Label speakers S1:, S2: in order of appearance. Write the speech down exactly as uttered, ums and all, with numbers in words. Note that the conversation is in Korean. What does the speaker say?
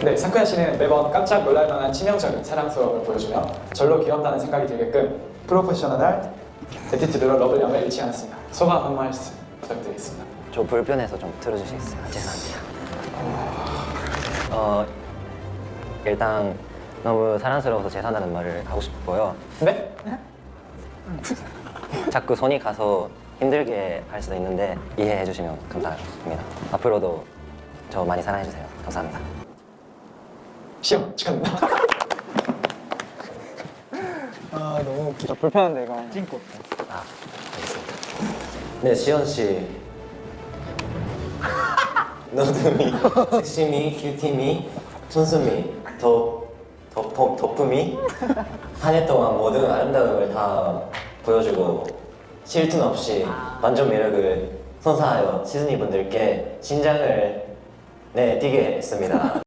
S1: 네, 사쿠야 씨는 매번 깜짝 놀랄 만한 치명적인 사랑스러움을 보여주며 절로 귀엽다는 생각이 들게끔 프로페셔널한 애티튜드로 러블리함을 잃지 않았습니다. 소감 한 말씀 부탁드리겠습니다.
S2: 저 불편해서 좀 들어주시겠어요? 죄송합니다. 어 일단 너무 사랑스러워서 죄송하다는 말을 하고 싶고요.
S1: 네?
S2: 자꾸 손이 가서 힘들게 할 수도 있는데 이해해 주시면 감사합니다. 앞으로도 저 많이 사랑해 주세요. 감사합니다.
S1: 시험 축하드립니다.
S3: 아 너무 웃기다. 불편한데 이거. 찡고.
S2: 아 알겠습니다. 네, 시연 씨. 너드미, 섹시미, 큐티미, 촌수미, 더, 더, 더, 덕품이 한 해 동안 모든 아름다움을 다 보여주고 쉴 틈 없이 완전 매력을 선사하여 시즈니 분들께 심장을 네, 뛰게 했습니다.